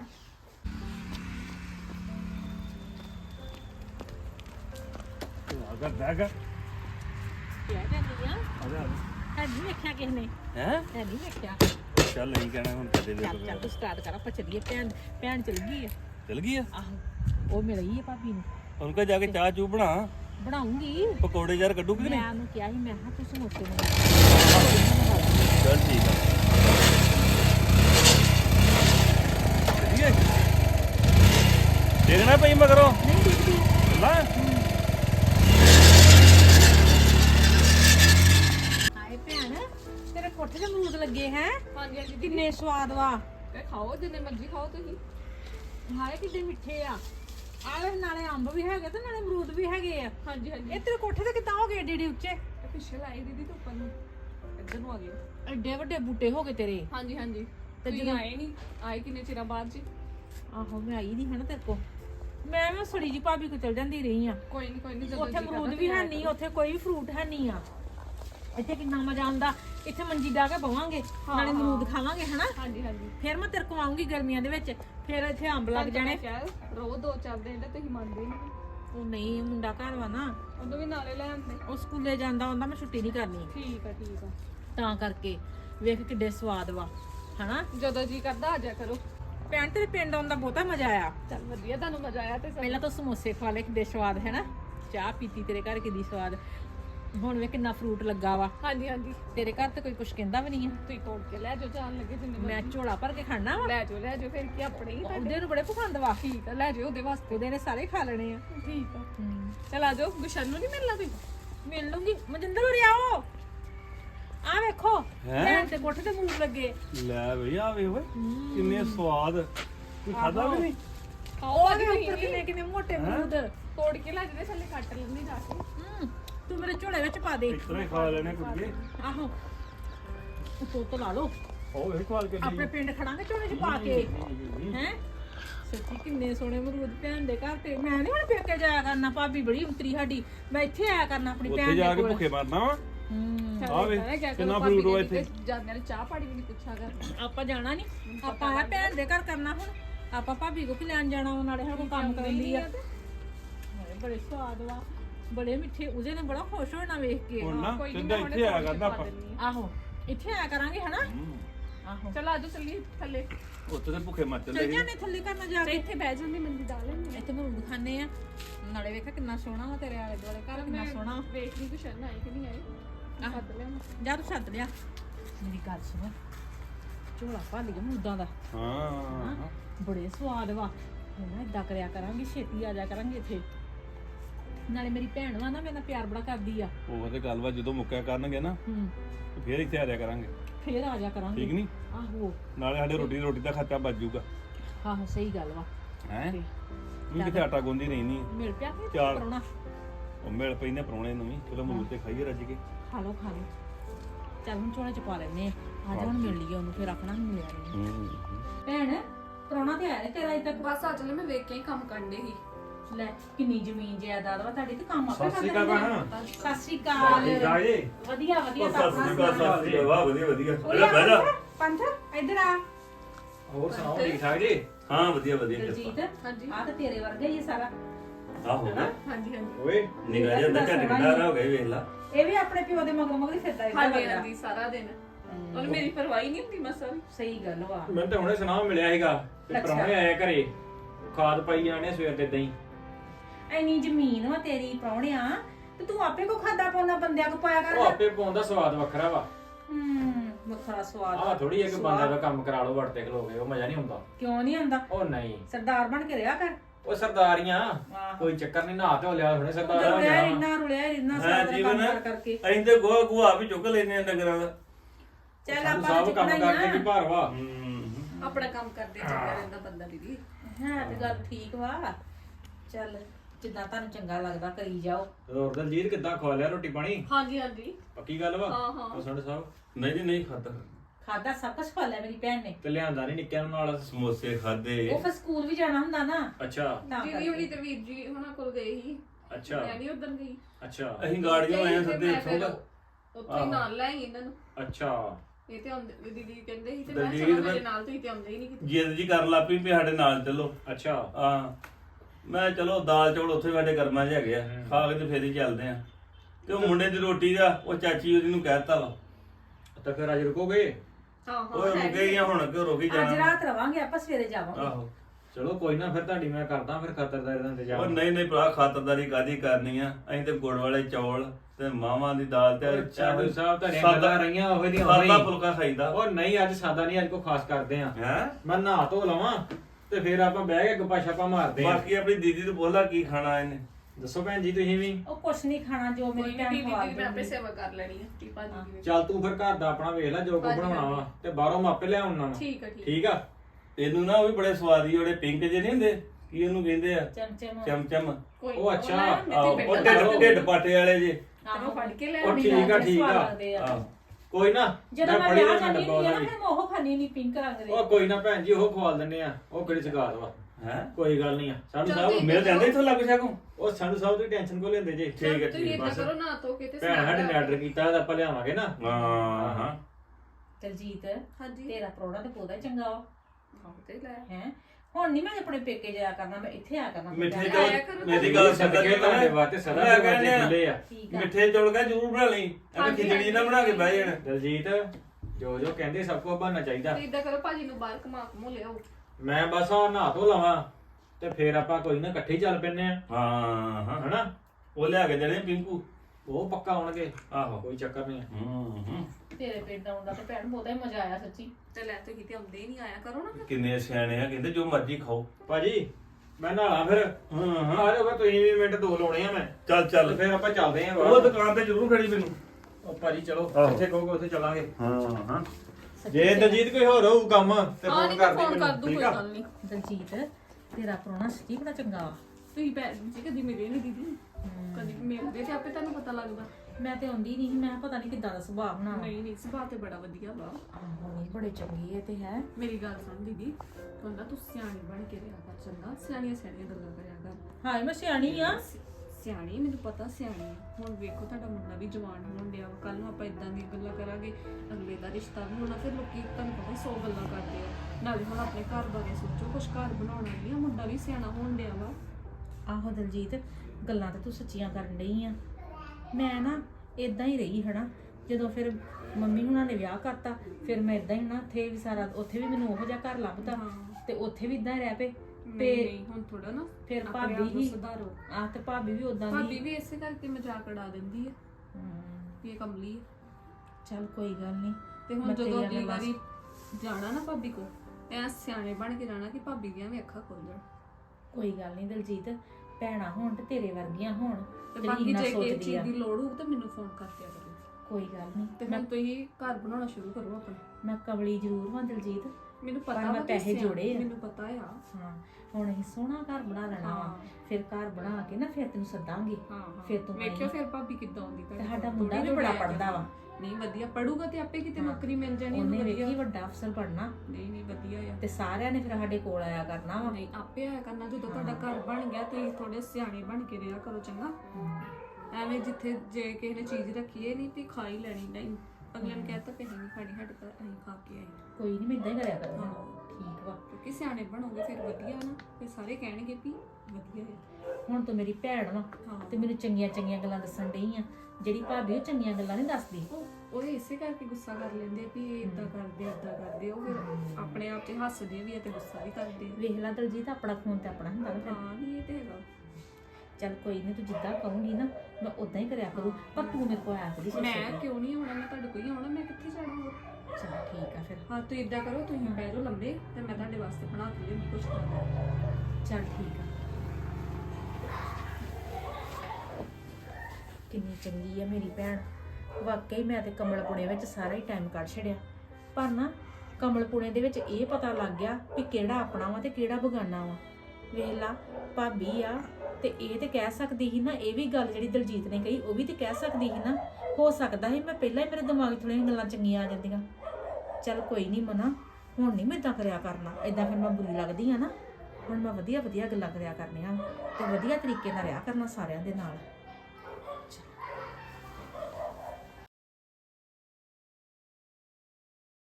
ਆਗਾ ਬੈਗ ਆ
ਕਿਆ ਕਰਨੀ ਆ?
ਜਾ
ਹੈ ਨਹੀਂ ਵੇਖਿਆ ਕਿਸ ਨੇ?
ਹੈ
ਹੈ ਨਹੀਂ ਵੇਖਿਆ।
ਚੱਲ ਨਹੀਂ ਕਹਿਣਾ ਹੁਣ ਕਦੇ ਦੇ
ਚੱਲ ਤੂੰ ਸਟਾਰਟ ਕਰ, ਆਪਾਂ ਚੱਲੀਏ। ਭੈਣ ਚਲ ਗਈ ਆ।
ਚਲ ਗਈ ਆ
ਆਹੋ, ਉਹ ਮਿਲ ਗਈ ਆ ਭਾਬੀ ਨੂੰ।
ਉਹਨੂੰ ਕਹ ਜਾ ਕੇ ਚਾਹ ਚੂ ਬਣਾ,
ਬਣਾਉਂਗੀ।
ਪਕੌੜੇ ਯਾਰ ਕੱਢੂਗੀ ਕਿ
ਮੈਂ
ਨਹੀਂ?
ਉਹਨੂੰ ਕਿਹਾ ਸੀ, ਮੈਂ ਕਿਹਾ ਤੂੰ ਸਮੋਸੇ ਬਣਾ।
ਚੱਲ ਠੀਕ ਆ। ਠੀਕ ਹੈ ਦੇਖਣਾ ਪਈ ਮਗਰੋਂ
ਨਹੀਂ ਦਿਖਦੀ।
ਚੱਲਾਂ।
ਹਾਏ ਭੈਣ, ਤੇਰੇ ਕੋਠੇ ਤੇ ਅਮਰੂਦ ਲੱਗੇ ਹੈ?
ਹਾਂਜੀ ਹਾਂਜੀ
ਕਿੰਨੇ ਸਵਾਦ ਵਾ।
ਤੇ ਖਾਓ ਜਿੰਨੇ ਮਰਜ਼ੀ ਖਾਓ ਤੁਸੀਂ।
ਹਾਏ ਕਿੱਡੇ ਮਿੱਠੇ ਆ। ਆਲੇ ਨਾਲੇ ਅੰਬ ਵੀ ਹੈਗੇ ਤੇ ਨਾਲੇ ਅਮਰੂਦ ਵੀ ਹੈਗੇ ਆ।
ਹਾਂਜੀ ਹਾਂਜੀ
ਇਹ ਤੇਰੇ ਕੋਠੇ ਤੇ ਕਿੱਦਾਂ ਹੋ ਗਏ ਏਡੇ ਏਡੇ ਉੱਚੇ?
ਇਹ ਪਿੱਛੇ ਲਾਈ ਦੀਦੀ ਧੁੱਪ ਨੂੰ, ਇੱਧਰ ਨੂੰ ਆ ਗਏ।
ਐਡੇ ਵੱਡੇ ਬੂਟੇ ਹੋ ਗਏ ਤੇਰੇ।
ਹਾਂਜੀ ਹਾਂਜੀ
ਤੇ
ਤੇ
ਜਦੋਂ-
ਆਏ ਨਹੀਂ, ਆਏ ਕਿੰਨੇ ਚਿਰਾਂ ਬਾਅਦ ਜੀ।
ਆਹੋ ਮੈਂ ਆਈ ਨਹੀਂ ਹਨਾ ਤੇਰੇ ਕੋ। ਮੈਂ ਸੜੀ ਜੀ ਭਾਬੀ ਕੋ ਚਲ ਜਾਂਦੀ ਰਹੀ ਆ।
ਕੋਈ ਨਹੀਂ
ਉੱਥੇ ਅਮਰੂਦ ਵੀ ਹੈ ਨਹੀਂ, ਉੱਥੇ ਕੋਈ ਵੀ ਫਰੂਟ ਹੈ ਨਹੀਂ ਆ। ਇੱਥੇ ਕਿੰਨਾ ਮਜ਼ਾ ਆਉਂਦਾ। ਇੱਥੇ ਮੰਜੀ ਡਾ ਕੇ ਬਵਾਂਗੇ, ਨਾਲੇ ਅਮਰੂਦ ਖਾਵਾਂਗੇ ਹਨਾ।
ਹਾਂਜੀ ਹਾਂਜੀ
ਫਿਰ ਮੈਂ ਤੇਰੇ ਕੋ ਆਉਂਗੀ ਗਰਮੀਆਂ ਦੇ ਵਿੱਚ, ਫਿਰ ਇੱਥੇ ਅੰਬ ਲੱਗ ਜਾਣੇ।
ਰੋ 2-4 ਦਿਨ ਦਾ ਤੁਸੀਂ ਮੰਨਦੇ ਨਹੀਂ।
ਉਹ ਨਹੀਂ, ਮੁੰਡਾ ਘਰ ਵਾ ਨਾ,
ਉਦੋਂ ਵੀ ਨਾਲੇ ਲੈ ਆਉਂਦੇ।
ਉਹ ਸਕੂਲੇ ਜਾਂਦਾ ਹੁੰਦਾ, ਮੈਂ ਛੁੱਟੀ ਨਹੀਂ ਕਰਨੀ।
ਠੀਕ ਆ
ਤਾਂ ਕਰਕੇ ਵੇਖ ਕਿੱਡੇ ਸਵਾਦ ਵਾ ਹਨਾ।
ਜਦੋਂ ਜੀ ਕਰਦਾ ਆ ਜਾ ਕਰੋ।
ਭੈਣ ਤੇਰੇ ਪਿੰਡ ਆਉਣ ਦਾ ਬਹੁਤਾ ਮਜ਼ਾ ਆਇਆ।
ਚੱਲ ਵਧੀਆ, ਤੁਹਾਨੂੰ ਮਜ਼ਾ ਆਇਆ ਤੇ
ਪਹਿਲਾਂ ਤਾਂ ਸਮੋਸੇ ਖਾ ਲਏ ਕਿੱਡੇ ਸਵਾਦ ਹੈ ਨਾ, ਚਾਹ ਪੀਤੀ ਤੇਰੇ ਘਰ ਕਿੰਨੀ ਸਵਾਦ। ਹੁਣ ਵੇ ਕਿੰਨਾ ਫਰੂਟ ਲੱਗਾ ਵਾ
ਹਾਂਜੀ ਹਾਂਜੀ
ਤੇਰੇ ਘਰ ਤੇ ਕੋਈ ਕੁਛ ਕਹਿੰਦਾ ਵੀ ਨਹੀਂ ਆ।
ਤੁਸੀਂ ਤੋੜ ਕੇ ਲੈ ਜਾਓ, ਜਾਣ ਲੱਗੇ ਜਿੰਨੇ
ਮੈਂ ਝੋਲਾ ਭਰ ਕੇ ਖਾਣਾ ਵਾ।
ਲੈ ਜਾਓ ਫਿਰ ਕੀ ਆਪਣੇ ਹੀ
ਉਹਦੇ ਨੂੰ ਬੜੇ ਪਸੰਦ ਵਾ।
ਠੀਕ ਆ, ਲੈ ਜਾਓ ਉਹਦੇ ਵਾਸਤੇ।
ਉਹਦੇ ਨੇ ਸਾਰੇ ਖਾ ਲੈਣੇ ਆ।
ਠੀਕ ਆ, ਚਲ ਆ ਜਾਓ। ਗੁਸ਼ਨ ਨੂੰ ਨਹੀਂ ਮਿਲਣਾ ਤੁਸੀਂ?
ਮਿਲ ਲੂੰਗੀ। ਮਨਜਿੰਦਰ ਉਰੇ ਆਓ, ਆ ਵੇਖੋ ਭੈਣ ਤੇ ਕੋਠੇ ਤੇ ਮੂੰਹ ਲੱਗੇ।
ਲੈ ਬਈ ਆ ਵੇ ਓਏ ਕਿੰਨੇ ਸਵਾਦ, ਕੋਈ ਖਾਦਾ ਵੀ ਨਹੀਂ।
ਖਾਓ
ਉਹ
ਅੱਜ
ਵੀ
ਤੁਸੀਂ
ਉੱਪਰ ਕਿੰਨੇ ਕਿੰਨੇ ਮੋਟੇ ਅਮਰੂਦ।
ਤੋੜ ਕੇ ਲੈ ਜਾਂਦੇ, ਥੱਲੇ ਕੱਟ ਲੈਂਦੀ ਜਾ ਕੇ।
ਤੂੰ ਮੇਰੇ ਝੋਲੇ ਵਿੱਚ ਪਾ ਦੇ।
ਇਸ ਤਰ੍ਹਾਂ ਹੀ ਖਾ ਲੈਣੇ ਕੁੜੀਏ।
ਆਹੋ ਉੱਤੋਂ ਤੋਂ ਲਾ ਲਓ।
ਉਹ ਵੇ ਖਵਾਲ ਕੇ
ਆਪਣੇ ਪਿੰਡ ਖੜਾਂਗੇ ਝੋਲੇ 'ਚ ਪਾ ਕੇ ਹੈ। ਸੱਚੀ ਕਿੰਨੇ ਸੋਹਣੇ ਅਮਰੂਦ ਭੈਣ ਦੇ ਘਰ ਤੇ। ਮੈਂ ਨਹੀਂ ਹੁਣ ਪੇਕੇ ਜਾਇਆ ਕਰਨਾ, ਭਾਬੀ ਬੜੀ ਉਤਰੀ ਸਾਡੀ। ਮੈਂ ਇੱਥੇ ਆਇਆ ਕਰਨਾ ਆਪਣੀ
ਉੱਥੇ
ਭੈਣ
ਜਾ
ਦੇ
ਕੇ
ਕੋਲ।
ਭੁੱਖੇ ਮਰਨਾ ਵਾ।
ਚੱਲ
ਆ ਵੇ,
ਏਦਾਂ ਹੈ, ਕਿਆ
ਕਿੰਨਾ
ਕਰੋ, ਭਾਬੀ
fruit ਵਾ
ਨੇ
ਇੱਥੇ।
ਕਿਤੇ ਜਾਂਦਿਆਂ ਨੂੰ ਚਾਹ ਪਾਣੀ ਵੀ ਨਹੀਂ ਪੁੱਛਿਆ ਕਰ।
ਆਪਾਂ ਜਾਣਾ ਨਹੀਂ, ਆਪਾਂ ਆਇਆ ਭੈਣ ਦੇ ਘਰ ਕਰਨਾ। ਹੁਣ ਆਪਾਂ ਭਾਬੀ ਕੋ ਲੈਣ ਜਾਣਾ, ਉਹ ਨਾਲੇ ਸਾਡੇ ਕੋਲ ਕੰਮ ਕਰਨ ਦੀ ਆ। ਹਾਏ, ਬੜੇ ਸਵਾਦ ਵਾ, ਬੜੇ ਮਿੱਠੇ। ਉਹਦੇ ਨੇ ਬੜਾ ਖੁਸ਼ ਹੋਣਾ ਵੇਖ ਕੇ।
ਹੁਣ ਨਾ
ਕੋਈ ਨੀ,
ਸਿੱਧਾ
ਮੈਂ ਹੁਣੇ
ਇੱਥੇ ਆਇਆ
ਤੋੜ ਕੇ
ਕਰਨਾ
ਪਾ
ਆਪਾਂ।
ਦਿੰਦੀ ਹਾਂ।
ਆਹੋ ਇੱਥੇ ਆਇਆ ਕਰਾਂਗੇ ਹਨਾ। ਆਹੋ
ਚਲ ਆ ਜਾਓ, ਚੱਲੀਏ ਥੱਲੇ।
ਉੱਥੇ ਤੇ ਭੁੱਖੇ ਮਰ
ਚੱਲ
ਚੱਲੇ ਸੀ।
ਜਾਣੇ ਥੱਲੇ ਕਰਨਾ ਜਾ
ਤੇ
ਕੇ।
ਇੱਥੇ ਬਹਿ ਜਾਂਦੀ, ਮੰਦੀ ਡਾ ਲੈਂਦੀ।
ਇੱਥੇ ਮਰੂਦ ਖਾਣੇ ਆ, ਨਾਲੇ ਵੇਖ ਕਿੰਨਾ ਸੋਹਣਾ ਵਾ ਤੇਰੇ ਆਲੇ ਦੁਆਲੇ ਘਰ, ਕਿੰਨਾ ਸੋਹਣਾ।
ਵੇਖ ਲਈ ਗੁਸ਼ਨ ਆਈ ਕਿ ਨਹੀਂ ਆਈ। ਸੱਦ ਲਿਆ
ਜਾ ਤੂੰ ਸੱਦ ਲਿਆ। ਮੇਰੀ ਗੱਲ ਸੁਣ, ਝੋਲਾ ਭਰ ਲਿਆ ਮਰੂਦਾਂ ਦਾ।
ਹਾਂ
ਬੜੇ ਸਵਾਦ ਵਾ। ਹੁਣ ਏਦਾਂ ਕਰਿਆ ਕਰਾਂਗੇ, ਛੇਤੀ ਆ ਜਾ ਕਰਾਂਗੇ ਇੱਥੇ। ਨਾਲੇ ਮੇਰੀ ਭੈਣ ਵਾ ਨਾ, ਮੇਰੇ ਨਾਲ ਪਿਆਰ ਬੜਾ ਕਰਦੀ ਆ।
ਉਹ ਤੇ ਗੱਲ ਵਾ, ਜਦੋਂ ਮੁੱਕਿਆ ਕਰਨਗੇ ਨਾ ਤੇ ਫੇਰ ਇੱਥੇ ਆ ਜਾਇਆ ਕਰਾਂਗੇ।
ਫੇਰ ਆ ਜਾ ਕਰਾਂਗੇ।
ਠੀਕ ਨਹੀਂ?
ਆਹੋ
ਨਾਲੇ ਸਾਡੇ ਰੋਟੀ ਦਾ ਖਰਚਾ ਬਚ ਜਾਊਗਾ।
ਆਹੋ ਸਹੀ ਗੱਲ ਵਾ।
ਹੈ
ਤੇ
ਤੂੰ ਕਿਤੇ ਆਟਾ ਗੁੰਦੀ ਨਹੀਂ
ਮਿਲ ਪਿਆ ਕਿ
ਚਾਰ।
ਪਰੋਣਾ?
ਉਹ ਮਿਲ ਪਈ ਨੇ ਪਰੌਣੇ ਨੂੰ ਵੀ। ਚਲੋ ਮਰੂਦ ਤੇ ਖਾਈਏ ਰੱਜ ਕੇ।
ਖਾ ਲਓ ਖਾ ਲਓ। ਚੱਲ ਹੁਣ ਝੋਲੇ ਚ ਪਾ ਲੈਨੇ ਆ ਜਾ ਹੁਣ ਮਿਲ ਲਈਏ ਉਹਨੂੰ, ਫਿਰ ਆਪਣਾ ਹੀ ਮਿਲਿਆ ਨਹੀਂ। ਭੈਣ ਪਰੋਣਾ ਤੇ ਆਇਆ ਨੀ ਤੇਰਾ ਅਜੇ ਤੱਕ?
ਬਸ ਆ ਚਲੇ, ਮੈਂ ਵੇਖ ਕੇ ਹੀ ਕੰਮ ਕਰਨ ਦੇ ਸੀ।
ਲੈ ਕਿੰਨੀ ਜ਼ਮੀਨ ਜਾਇਦਾਦ ਵਾ ਤੁਹਾਡੀ, ਤੇ ਕੰਮ ਆਪੇ
ਸਤਿ ਸ਼੍ਰੀ ਅਕਾਲ ਭੈਣ।
ਸਤਿ ਸ਼੍ਰੀ ਅਕਾਲ। ਵਧੀਆ ਵਧੀਆ।
ਵਾਹ ਵਧੀਆ ਵਧੀਆ।
ਉਰੇ ਆ ਪੰਥ, ਇੱਧਰ ਆ।
ਹੋਰ ਸੁਣਾਓ, ਠੀਕ ਠਾਕ ਜੀ?
ਹਾਂ ਵਧੀਆ ਵਧੀਆ।
ਦਲਜੀਤ
ਹਾਂਜੀ
ਆ ਤਾਂ ਤੇਰੇ ਵਰਗਾ ਹੀ ਹੈ ਸਾਰਾ।
ਆਹੋ ਨਾ
ਹਾਂਜੀ ਹਾਂਜੀ
ਓਏ
ਨਿਗਾਹ ਜਿਹਾ ਤਾਂ ਝੱਟ ਕਿਦਾਂ ਹੋ ਗਏ ਵੇਖ ਲਾ।
ਇਹ ਵੀ ਆਪਣੇ ਪਿਓ ਦੇ ਮਗਰ ਮਗਰ ਹੀ ਫਿਰਦਾ ਰਹਿੰਦਾ
ਹਾਂਜੀ
ਲੱਗਦਾ।
ਹਾਂਜੀ ਸਾਰਾ ਦਿਨ। ਉਹਨੂੰ ਮੇਰੀ ਪਰਵਾਹੀ ਨਹੀਂ ਹੁੰਦੀ ਮਸਾ ਵੀ।
ਸਹੀ ਗੱਲ ਵਾ।
ਮੈਨੂੰ ਤਾਂ ਹੁਣੇ ਸੁਨਾਹ ਮਿਲਿਆ ਸੀਗਾ ਤੇ
ਅੱਛਾ।
ਪ੍ਰਾਹੁਣੇ ਆਏ ਘਰੇ, ਖਾਦ ਪਾਈ ਜਾਣੇ ਸਵੇਰ ਦੇ ਦਹੀਂ।
ਐਨੀ ਜ਼ਮੀਨ ਵਾ ਤੇਰੀ ਪ੍ਰਾਹੁਣਿਆ, ਤੇ ਤੂੰ ਆਪੇ ਕੋ ਖਾਦਾ ਪਾਉਂਦਾ ਬੰਦਿਆਂ ਕੋ ਪਾਇਆ ਕਰ।
ਉਹ ਆਪੇ ਪਾਉਣ ਦਾ ਸਵਾਦ ਵੱਖਰਾ ਵਾ।
ਵੱਖਰਾ ਸਵਾਦ।
ਆਹ ਥੋੜੀ ਹੈ ਕਿ ਬੰਦਾ ਦਾ ਕੰਮ ਕਰਾ ਲਓ ਵੜਤੇ ਖਲੋ ਕੇ, ਉਹ ਮਜ਼ਾ ਨਹੀਂ ਹੁੰਦਾ।
ਕਿਉਂ ਨਹੀਂ ਆਂਦਾ?
ਉਹ ਨਹੀਂ,
ਸਰਦਾਰ ਬਣ ਕੇ ਰਿਹਾ ਕਰ।
ਉਹ ਸਰਦਾਰੀਆਂ
ਆਹ।
ਕੋਈ ਚੱਕਰ ਨਹੀਂ, ਨਹਾ ਧੋ ਲਿਆ ਹੁਣੇ ਸਰਦਾਰ ਹੋ
ਰੁਲਿਆ
ਜਾਣਾ।
ਇੰਨਾ ਰੁਲਿਆ ਇੰਨਾ
ਹਾਂ
ਸਾਰਾ ਦਿਨ
ਜੀਵਨ
ਕੰਮ ਕਰਕੇ।
ਅਸੀਂ ਤੇ ਗੋਹਾ ਗੂਹਾ ਵੀ ਚੁੱਕ ਲੈਨੇ ਆ ਡੰਗਰਾਂ ਦਾ।
ਚੱਲ
ਸਾਨੂੰ
ਆਪਾਂ
ਸਭ ਕੰਮ ਕਰਕੇ ਕੀ ਭਾਰ ਵਾ।
ਆਪਣਾ ਕੰਮ ਕਰਦੇ ਚੰਗਾ ਰਹਿੰਦਾ ਬੰਦਾ ਦੀਦੀ।
ਹਾਂ ਤੇ ਗੱਲ ਠੀਕ ਵਾ। ਚੱਲ ਜਿੱਦਾਂ ਤੁਹਾਨੂੰ ਚੰਗਾ ਲੱਗਦਾ ਕਰੀ ਜਾਓ।
ਹੋਰ ਦਲਜੀਤ ਕਿੱਦਾਂ ਖਵਾ ਲਿਆ ਰੋਟੀ ਪਾਣੀ?
ਹਾਂਜੀ ਹਾਂਜੀ
ਪੱਕੀ ਗੱਲ ਵਾ?
ਹਾਂ।
ਸੰਡ ਸਾਹਿਬ
ਨਹੀਂ ਜੀ ਨਹੀਂ ਖਾਦਾ।
ਖਾਦਾ ਸਭ ਕੁਝ ਖਾ ਲਿਆ ਮੇਰੀ ਭੈਣ ਨੇ।
ਤੇ ਲਿਆਂਦਾ ਨਹੀਂ ਨਿੱਕਿਆਂ ਨੂੰ ਨਾਲ?
ਸਮੋਸੇ ਖਾਦੇ।
ਉਹ ਫਿਰ ਸਕੂਲ ਵੀ ਜਾਣਾ ਹੁੰਦਾ ਨਾ
ਅੱਛਾ
ਤਾਂ
ਦੀਦੀ ਹੁਣੀ ਤੇ ਵੀਰ ਜੀ ਉਹਨਾਂ ਕੋਲ ਗਏ ਸੀ।
ਅੱਛਾ
ਮੈਂ ਨਹੀਂ ਉਦੋਂ ਗਈ।
ਅੱਛਾ
ਅਸੀਂ ਗਾੜੀਆਂ ਆਏ ਆ
ਤੇ
ਸੱਦੇ
ਮੈਂ
ਇੱਥੋਂ
ਫਿਰ
ਦਾ।
ਉੱਥੇ ਹੀ ਨਾਲ ਲੈ ਆਈ ਇਹਨਾਂ ਨੂੰ।
ਅੱਛਾ
ਇਹ ਤੇ ਆਉਂਦੇ ਦੀਦੀ ਕਹਿੰਦੇ ਸੀ ਤੇ ਮੈਂ
ਦਲਜੀਤ
ਚਲੋ
ਮੈਂ-
ਮੇਰੇ ਨਾਲ ਤੁਸੀਂ ਤੇ ਆਉਂਦੇ ਹੀ ਨਹੀਂ ਕਿਤੇ।
ਜਿੱਦ ਜੀ ਕਰਨ ਲੱਗ ਪਈ ਵੀ ਸਾਡੇ ਨਾਲ ਚੱਲੋ।
ਅੱਛਾ
ਮੈਂ ਚਲੋ ਦਾਲ ਚੌਲ ਉੱਥੇ ਸਾਡੇ ਕਰਮਾਂ 'ਚ ਹੈਗੇ ਆ, ਖਾ ਕੇ ਤੇ ਫੇਰ ਹੀ ਚੱਲਦੇ ਆ। ਤੇ ਉਹ ਮੁੰਡੇ ਦੀ ਰੋਟੀ ਦਾ ਉਹ ਚਾਚੀ ਉਹਦੀ ਨੂੰ ਕਹਿਤਾ ਵਾ,
ਤਾਂ ਫਿਰ ਅੱਜ ਰੁਕੋਗੇ?
ਹਾਂ
ਉਹ ਰੁਕੇ ਹੀ ਆ ਹੁਣ ਕਿ ਰੁਕ ਹੀ
ਅੱਜ
ਜਾਣਾ।
ਰਾਤ ਰਵਾਂਗੇ ਆਪਾਂ ਸਵੇਰੇ ਜਾਵਾਂਗੇ।
ਆਹੋ
ਚਲੋ ਕੋਈ ਨਾ, ਫਿਰ ਤੁਹਾਡੀ ਮੈਂ ਕਰਦਾ ਫਿਰ ਖਾਤਰਦਾਰੀ ਦਾ
ਉਹ
ਇੰਤਜ਼ਾਮ।
ਨਹੀਂ ਭਰਾ ਖਾਤਰਦਾਰੀ ਕਾਦੀ ਕਰਨੀ ਆ, ਅਸੀਂ ਤੇ ਗੁੜ ਵਾਲੇ ਚੌਲ ਤੇ ਮਾਵਾਂ ਦੀ ਦਾਲ ਤੇ
ਚਾਹੂ ਸਾਹਿਬ ਤੁਹਾਡੀਆਂ
ਸਾਦਾ-
ਗੱਲਾਂ ਰਹੀਆਂ ਉਹੇ ਦੀਆਂ
ਸਾਦਾ
ਉਹੀ।
ਫੁਲਕਾ ਖਾਈਦਾ।
ਉਹ ਨਹੀਂ ਅੱਜ ਸਾਦਾ ਨਹੀਂ, ਅੱਜ ਕੋ ਖਾਸ ਕਰਦੇ ਆ।
ਹੈ
ਮੈਂ ਨਹਾ ਧੋ ਲਵਾਂ ਤੇ ਫਿਰ ਆਪਾਂ ਬਹਿ ਕੇ ਗੱਪਾਂ ਛਾਪਾਂ ਮਾਰਦੇ ਆ।
ਬਾਕੀ ਆਪਣੀ ਦੀਦੀ ਨੂੰ ਬੋਲਾ ਕੀ ਖਾਣਾ ਇਹਨੇ।
ਦੱਸੋ ਭੈਣ ਜੀ ਤੁਸੀਂ ਵੀ।
ਉਹ ਕੁਛ ਨਹੀਂ ਖਾਣਾ ਜੋ
ਕੋਈ
ਮੇਰੀ
ਨਹੀਂ
ਭੈਣ
ਦੀਦੀ
ਖਵਾ
ਦੀ ਮੈਂ ਆਪੇ
ਦੇਗੀ।
ਸੇਵਾ ਕਰ ਲੈਣੀ ਹੈ ਟੀ ਭਾਜੀ ਦੀ।
ਚੱਲ ਤੂੰ ਫਿਰ ਘਰ ਦਾ ਆਪਣਾ ਵੇਖ ਲੈ ਜੋ ਕੋ
ਹਾਂਜੀ,
ਬਣਾਉਣਾ ਵਾ,
ਹਾਂਜੀ।
ਤੇ ਬਾਹਰੋਂ ਮਾਪੇ ਲੈ ਆਉਣਾ ਵਾ।
ਠੀਕ ਹੈ ਠੀਕ
ਠੀਕ ਆ?
ਇਹਨੂੰ ਨਾ ਉਹ ਵੀ ਬੜੇ ਸਵਾਦੀ ਜਿਹੜੇ ਪਿੰਕ ਜਿਹੇ ਨਹੀਂ ਹੁੰਦੇ, ਕੀ ਉਹਨੂੰ ਕਹਿੰਦੇ ਆ,
ਚਮਚਮ
ਚਮਚਮ।
ਕੋਈ
ਉਹ ਅੱਛਾ,
ਆਹੋ, ਉਹ ਢਿੱਡ ਪਾਟੇ ਵਾਲੇ ਜੇ।
ਆਹੋ ਫੜ ਕੇ ਲੈ
ਉਹ
ਆਉਣੀ
ਠੀਕ ਆ, ਠੀਕ
ਸਵਾਦ
ਆ।
ਲੱਗਦੇ ਆ।
ਆਹੋ
ਕੋਈ ਨਾ,
ਜਦੋਂ ਮੈਂ
ਫੜੀ
ਵਿਆਹ
ਲੈਣਾ
ਜਾਂਦੀ
ਡੱਬਾ
ਹੁੰਦੀ ਆ
ਉਹਦਾ
ਨਾ
ਵੀ।
ਫਿਰ ਮੈਂ ਉਹ ਖਾਣੀ ਨਹੀਂ ਪਿੰਕ ਰੰਗ ਦੇ।
ਉਹ ਕੋਈ ਨਾ ਭੈਣ ਜੀ, ਉਹ ਖਵਾਲ ਦਿੰਨੇ ਆ। ਉਹ ਕਿਹੜੀ ਸਗਾਤ ਵਾ,
ਹੈ
ਕੋਈ ਗੱਲ ਨਹੀਂ ਆ। ਸੰਧੂ
ਚੱਲ
ਸਾਹਿਬ
ਠੀਕ
ਮਿਲ ਜਾਂਦੇ ਇਥੋਂ ਲੱਗ ਸਕੋ।
ਉਹ ਸੰਧੂ ਸਾਹਿਬ ਦੀ ਟੈਨਸ਼ਨ ਕੋ ਲੈਂਦੇ ਜੇ।
ਠੀਕ ਹੈ,
ਤੁਸੀਂ
ਠੀਕ
ਇਦਾਂ
ਬਸ।
ਕਰੋ ਨਾ ਧੋ ਕੇ ਤੇ
ਭੈਣ
ਸਮਾਨ
ਸਾਡੇ ਨੇ
ਲਿਆਓ।
ਆਰਡਰ ਕੀਤਾ ਤਾਂ ਆਪਾਂ ਲਿਆਵਾਂਗੇ ਨਾ।
ਹਾਂ ਹਾਂ
ਦਲਜੀਤ
ਹਾਂਜੀ
ਤੇਰਾ ਪ੍ਰੋਣਾ ਤੇ ਬਹੁਤਾ ਚੰਗਾ ਵਾ
ਆਹੋ ਤੇ ਲੈ
ਹੈ। ਹੁਣ ਨਹੀਂ ਮੈਂ ਆਪਣੇ ਪੇਕੇ ਜਾਇਆ ਕਰਨਾ, ਮੈਂ ਇੱਥੇ ਆਇਆ ਕਰਨਾ।
ਮਿੱਠੇ
ਆਇਆ
ਚੌਲ
ਕਰੋ
ਮੇਰੀ ਗੱਲ
ਸਦਕੇ
ਸਦਕੇ
ਤੁਹਾਡੇ ਵਾਸਤੇ ਸਦਾ
ਮੈਂ
ਦੇ
ਕਹਿੰਦੇ ਆ,
ਖੁੱਲੇ ਆ।
ਠੀਕ ਆ।
ਮਿੱਠੇ ਚੌਲ ਕਾ ਜ਼ਰੂਰ ਬਣਾ ਲਈ, ਐਵੇਂ
ਹਾਂਜੀ,
ਖਿਚੜੀ ਨਾ ਬਣਾ ਕੇ ਬਹਿ ਜਾਣ।
ਦਲਜੀਤ ਜੋ ਜੋ ਕਹਿੰਦੇ ਸਭ ਕੁਝ ਬਣਨਾ ਚਾਹੀਦਾ।
ਤੇ ਇਦਾਂ ਕਰੋ ਭਾਜੀ ਨੂੰ ਬਾਹਰ ਘੁਮਾ ਲਿਆਓ।
ਮੈਂ ਬਸ ਆ ਨਹਾ ਧੋ ਲਵਾਂ ਤੇ ਫਿਰ ਆਪਾਂ ਕੋਈ ਨਾ ਇਕੱਠੇ ਹੀ ਚੱਲ ਪੈਨੇ ਆ,
ਹਾਂ ਹਾਂ
ਹਨਾ?
ਉਹ ਲਿਆ ਕੇ ਦੇਣੇ ਪਿੰਕੂ।
ਉਹ ਪੱਕਾ ਆਉਣਗੇ,
ਆਹੋ
ਕੋਈ ਚੱਕਰ ਨਹੀਂ ਆ।
ਹੂੰ
ਤੇਰੇ ਪਿੰਡ ਆਉਣ ਦਾ ਤੇ ਭੈਣ ਬਹੁਤਾ ਹੀ ਮਜ਼ਾ ਆਇਆ ਸੱਚੀ।
ਤੇ ਲੈ ਤੁਸੀਂ ਤੇ ਆਉਂਦੇ ਹੀ ਨਹੀਂ ਆਇਆ ਕਰੋ ਨਾ ਫਿਰ।
ਕਿੰਨੇ ਸਿਆਣੇ ਆ, ਕਹਿੰਦੇ ਜੋ ਮਰਜ਼ੀ ਖਾਓ।
ਭਾਜੀ ਮੈਂ ਨਹਾਲਾਂ ਫਿਰ।
ਹਾਂ ਹਾਂ
ਆ ਜਾਓ ਫਿਰ, ਤੁਸੀਂ ਵੀ ਮਿੰਟ ਦੋ ਲਾਉਣੇ ਆ ਮੈਂ।
ਚੱਲ
ਤੇ
ਚੱਲ,
ਫਿਰ ਆਪਾਂ ਚੱਲਦੇ ਆ
ਉਹ
ਬਾਹਰ।
ਦੁਕਾਨ ਤੇ ਜ਼ਰੂਰ ਖੜੀ ਮੈਨੂੰ।
ਉਹ ਭਾਜੀ ਚਲੋ,
ਆਹੋ।
ਜਿੱਥੇ ਕਹੋਗੇ ਉੱਥੇ ਚੱਲਾਂਗੇ।
ਹਾਂ ਹਾਂ
ਜੇ ਦਲਜੀਤ ਕੋਈ ਹੋਰ ਹੋਊ ਕੰਮ ਤੇ
ਹਾਂ
ਫੋਨ
ਨਹੀਂ
ਕਰ
ਮੈਂ
ਦੇ
ਫੋਨ ਕਰ
ਮੈਨੂੰ,
ਦੂੰ,
ਠੀਕ
ਕੋਈ
ਆ?
ਗੱਲ ਨਹੀਂ।
ਦਲਜੀਤ ਤੇਰਾ ਪ੍ਰੋਣਾ ਸੱਚੀ ਬੜਾ ਚੰਗਾ ਵਾ।
ਤੁਸੀਂ ਭੈਣ ਜੀ ਕਦੀ ਮਿਲੇ ਨਹੀਂ ਦੀਦੀ, ਕਦੀ ਮਿਲਦੇ ਤੇ ਆਪੇ ਤੁਹਾਨੂੰ ਪਤਾ ਲੱਗਦਾ।
ਮੈਂ ਤੇ ਆਉਂਦੀ ਨਹੀਂ, ਮੈਂ ਪਤਾ ਨਹੀਂ ਕਿੱਦਾਂ ਦਾ ਸੁਭਾਅ ਬਣਾਵਾ।
ਨਹੀਂ ਸੁਭਾਅ ਤੇ ਬੜਾ ਵਧੀਆ ਵਾ।
ਆਹੋ ਨਹੀਂ ਬੜੇ ਚੰਗੇ ਤੇ ਹੈ।
ਮੇਰੀ ਗੱਲ ਸੁਣ ਦੀਦੀ, ਕਹਿੰਦਾ ਤੂੰ ਸਿਆਣੀ ਬਣ ਕੇ ਰਿਹਾ ਕਰ, ਚੰਗਾ ਸਿਆਣੀਆਂ ਗੱਲਾਂ ਕਰਿਆ ਕਰ।
ਹਾਏ ਮੈਂ ਸਿਆਣੀ ਆ।
ਸਿਆਣੀ ਮੈਨੂੰ ਪਤਾ ਸਿਆਣੀ ਆ। ਹੁਣ ਵੇਖੋ ਤੁਹਾਡਾ ਮੁੰਡਾ ਵੀ ਜਵਾਨ ਹੋਣ ਡਿਆ ਵਾ, ਕੱਲ ਨੂੰ ਆਪਾਂ ਇਦਾਂ ਦੀਆਂ ਗੱਲਾਂ ਕਰਾਂਗੇ, ਅਗਲੇ ਦਾ ਰਿਸ਼ਤਾ ਵੀ ਹੋਣਾ, ਫਿਰ ਲੋਕੀ ਤੁਹਾਨੂੰ ਪਤਾ 100 ਗੱਲਾਂ ਕਰਦੇ ਆ। ਨਾਲੇ ਹੁਣ ਆਪਣੇ ਘਰ ਬਾਰੇ ਸੋਚੋ, ਕੁਛ ਘਰ ਬਣਾਉਣਾ ਨਹੀਂ ਆ, ਮੁੰਡਾ ਵੀ ਸਿਆਣਾ ਹੋਣ ਡਿਆ ਵਾ।
ਆਹੋ ਦਲਜੀਤ ਗੱਲਾਂ ਤੇ ਤੂੰ ਸੱਚੀਆਂ ਕਰਨ ਡਈ ਆ। ਮੈਂ ਨਾ ਇਦਾਂ ਹੀ ਰਹੀ ਹਨਾ, ਜਦੋਂ ਫਿਰ ਮੰਮੀ ਹੁਣਾਂ ਨੇ ਵਿਆਹ ਕਰਤਾ, ਫਿਰ ਮੈਂ ਇਦਾਂ ਹੀ ਨਾ ਉੱਥੇ ਵੀ ਸਾਰਾ, ਉੱਥੇ ਵੀ ਮੈਨੂੰ ਉਹੋ ਜਿਹਾ ਘਰ ਲੱਭਦਾ ਤੇ ਉੱਥੇ ਵੀ ਇਦਾਂ ਹੀ ਰਹਿ ਪਏ।
ਨਹੀਂ ਹੁਣ ਥੋੜਾ ਨਾ
ਫਿਰ
ਆਪਣੇ
ਭਾਬੀ
ਆਪ ਨੂੰ
ਹੀ
ਸੁਧਾਰੋ।
ਆਹ ਤੇ ਭਾਬੀ ਵੀ ਉਦਾਂ
ਭਾਬੀ
ਦੀ।
ਵੀ ਇਸੇ ਕਰਕੇ ਮਜ਼ਾਕ ਉਡਾ ਦਿੰਦੀ ਆ ਵੀ ਇਹ ਕਮਲੀ ਆ।
ਚੱਲ ਕੋਈ ਗੱਲ ਨਹੀਂ।
ਤੇ ਹੁਣ
ਮੈਂ
ਜਦੋਂ
ਤੇਰੀਆਂ
ਅਗਲੀ
ਗੱਲਾਂ
ਵਾਰੀ ਜਾਣਾ ਨਾ ਭਾਬੀ ਕੋ, ਐ ਸਿਆਣੇ ਬਣ ਕੇ ਜਾਣਾ ਕਿ ਭਾਬੀ ਦੀਆਂ ਵੀ ਅੱਖਾਂ ਖੁੱਲ ਜਾਣ।
ਕੋਈ ਗੱਲ ਨਹੀਂ ਦਲਜੀਤ, ਭੈਣਾਂ ਹੋਣ ਤੇ ਤੇਰੇ ਵਰਗੀਆਂ ਹੋਣ,
ਤੇ
ਜਿਹੜੀ
ਬਾਕੀ
ਇੰਨਾ
ਜੇ ਕਿਸੇ
ਸੋਚਦੀ
ਚੀਜ਼
ਆ।
ਦੀ ਲੋੜ ਹੋਊ ਤਾਂ ਮੈਨੂੰ ਫੋਨ ਕਰਕੇ ਕਰੋ।
ਕੋਈ ਗੱਲ ਨਹੀਂ।
ਤੇ ਹੁਣ ਤੁਸੀਂ ਘਰ ਬਣਾਉਣਾ ਸ਼ੁਰੂ ਕਰੋ ਆਪਣਾ।
ਮੈਂ ਕਮਲੀ ਜ਼ਰੂਰ ਹਾਂ ਦਲਜੀਤ,
ਮੈਨੂੰ
ਪਰ
ਪਤਾ
ਮੈਂ
ਵਾ
ਪੈਸੇ
ਤੁਸੀਂ
ਜੋੜੇ ਆ।
ਮੈਨੂੰ ਪਤਾ ਆ।
ਹਾਂ ਹੁਣ ਅਸੀਂ ਸੋਹਣਾ ਘਰ ਬਣਾ ਲੈਣਾ ਵਾ।
ਹਾਂ।
ਫਿਰ ਘਰ ਬਣਾ ਕੇ ਨਾ ਫਿਰ ਤੈਨੂੰ ਸੱਦਾਂਗੇ।
ਹਾਂ
ਫਿਰ ਤੂੰ
ਵੇਖਿਓ ਫਿਰ ਭਾਬੀ ਕਿੱਦਾਂ ਆਉਂਦੀ
ਤੇ ਸਾਡਾ ਮੁੰਡਾ ਵੀ ਬੜਾ ਪੜਦਾ ਵਾ।
ਨਹੀਂ ਵਧੀਆ ਪੜੂਗਾ ਤੇ ਆਪੇ ਕਿਤੇ
ਹਾਂ।
ਨੌਕਰੀ ਮਿਲ ਜਾਣੀ
ਉਹਨੇ
ਉਹਨੂੰ ਵਧੀਆ।
ਵੇਖੀ ਵੱਡਾ ਅਫਸਰ ਬਣਨਾ
ਨਹੀਂ ਵਧੀਆ ਆ।
ਤੇ ਸਾਰਿਆਂ ਨੇ ਫਿਰ ਸਾਡੇ ਕੋਲ ਆਇਆ ਕਰਨਾ ਵਾ।
ਨਹੀਂ ਆਪੇ ਆਇਆ ਕਰਨਾ ਜਦੋਂ ਤੁਹਾਡਾ ਘਰ ਬਣ ਗਿਆ ਤੇ ਥੋੜੇ ਸਿਆਣੇ ਬਣ ਕੇ ਰਿਹਾ ਕਰੋ ਚੰਗਾ। ਐਵੇਂ ਜਿੱਥੇ ਜੇ ਕਿਸੇ ਨੇ ਚੀਜ਼ ਰੱਖੀ ਹੈ ਨਹੀਂ ਤੇ ਖਾ ਹੀ ਲੈਣੀ। ਨਹੀਂ ਅਗਲੇ ਨੇ ਕਹਿਤਾ ਪੈਸੇ ਨਹੀਂ ਖਾਣੀ, ਸਾਡੇ ਘਰ ਅਸੀਂ ਖਾ ਕੇ ਆਏ।
ਕੋਈ ਨਹੀਂ ਮੈਂ ਇਦਾਂ ਹੀ ਕਰਿਆ ਕਰਾਂਗਾ।
ਹਾਂ।
ਠੀਕ ਵਾ।
ਕਿਉਂਕਿ ਸਿਆਣੇ ਬਣੋਗੇ ਫਿਰ ਵਧੀਆ ਨਾ, ਫਿਰ ਸਾਰੇ ਕਹਿਣਗੇ ਵੀ ਵਧੀਆ ਹੈ।
ਹੁਣ ਤੂੰ ਮੇਰੀ ਭੈਣ ਵਾ
ਹਾਂ
ਤੇ ਮੈਨੂੰ ਚੰਗੀਆਂ ਚੰਗੀਆਂ ਗੱਲਾਂ ਦੱਸਣ ਡਈ ਆ। ਜਿਹੜੀ ਭਾਬੀ ਉਹ ਚੰਗੀਆਂ ਗੱਲਾਂ ਨਹੀਂ ਦੱਸਦੀ।
ਉਹ ਇਸੇ ਕਰਕੇ ਗੁੱਸਾ ਕਰ ਲੈਂਦੇ ਵੀ ਇਹ ਇਦਾਂ ਕਰਦੇ ਉਹ ਫਿਰ ਆਪਣੇ ਆਪ 'ਚ ਹੱਸਦੇ ਵੀ ਆ ਤੇ ਗੁੱਸਾ ਵੀ ਕਰਦੇ ਆ।
ਵੇਖ ਲੈ ਦਲਜੀਤ, ਆਪਣਾ ਖੂਨ ਤੇ ਆਪਣਾ ਹੁੰਦਾ ਨਾ ਫਿਰ।
ਹਾਂ ਨਹੀਂ ਇਹ ਤੇ ਹੈਗਾ।
ਚੱਲ ਕੋਈ ਨਹੀਂ, ਤੂੰ ਜਿੱਦਾਂ ਕਹੂੰਗੀ ਨਾ ਮੈਂ ਉਦਾਂ ਹੀ ਕਰਿਆ ਕਰੂ। ਪਰ ਤੂੰ ਮੇਰੇ ਕੋਲ ਆਇਆ ਕਰੀ
ਮੈਂ ਕਿਉਂ ਨਹੀਂ ਆਉਣਾ, ਮੈਂ ਤੁਹਾਡੇ ਕੋਲ ਹੀ ਆਉਣਾ, ਮੈਂ ਕਿੱਥੇ ਜਾਣਾ ਹੋਰ।
ਚੱਲ ਠੀਕ ਆ ਫਿਰ।
ਹਾਂ ਤੁਸੀਂ ਇਦਾਂ ਕਰੋ, ਤੁਸੀਂ ਬਹਿ ਜਾਓ ਲੰਬੇ ਤੇ ਮੈਂ ਤੁਹਾਡੇ ਵਾਸਤੇ ਬਣਾ ਕੇ ਲਿਆਉਂਦੀ ਕੁਝ ਖਾਣਾ।
ਚੱਲ ਠੀਕ ਆ। ਕਿੰਨੀ ਚੰਗੀ ਆ ਮੇਰੀ ਭੈਣ। ਵਾਕਈ ਮੈਂ ਤੇ ਕਮਲਪੁਣੇ ਵਿੱਚ ਸਾਰਾ ਹੀ ਟਾਈਮ ਕੱਢ ਛੜਿਆ, ਪਰ ਨਾ ਕਮਲਪੁਣੇ ਦੇ ਵਿੱਚ ਇਹ ਪਤਾ ਲੱਗ ਗਿਆ ਵੀ ਕਿਹੜਾ ਆਪਣਾ ਵਾ ਤੇ ਕਿਹੜਾ ਬਗਾਨਾ ਵਾ। ਵੇਖ ਲਾ ਭਾਬੀ ਆ ਤੇ ਇਹ ਤੇ ਕਹਿ ਸਕਦੀ ਸੀ ਨਾ, ਇਹ ਵੀ ਗੱਲ ਜਿਹੜੀ ਦਲਜੀਤ ਨੇ ਕਹੀ ਉਹ ਵੀ ਤੇ ਕਹਿ ਸਕਦੀ ਸੀ ਨਾ। ਹੋ ਸਕਦਾ ਸੀ ਮੈਂ ਪਹਿਲਾਂ ਹੀ ਮੇਰੇ ਦਿਮਾਗ 'ਚ ਥੋੜ੍ਹੀਆਂ ਗੱਲਾਂ ਚੰਗੀਆਂ ਆ ਜਾਂਦੀਆਂ। ਚੱਲ ਕੋਈ ਨਹੀਂ ਮਨਾ, ਹੁਣ ਨਹੀਂ ਮੈਂ ਇਦਾਂ ਕਰਿਆ ਕਰਨਾ, ਇਦਾਂ ਫਿਰ ਮੈਂ ਬੁਰੀ ਲੱਗਦੀ ਆ ਨਾ। ਹੁਣ ਮੈਂ ਵਧੀਆ ਵਧੀਆ ਗੱਲਾਂ ਕਰਿਆ ਕਰਨੀਆਂ ਤੇ ਵਧੀਆ ਤਰੀਕੇ ਨਾਲ ਰਿਹਾ ਕਰਨਾ ਸਾਰਿਆਂ ਦੇ ਨਾਲ।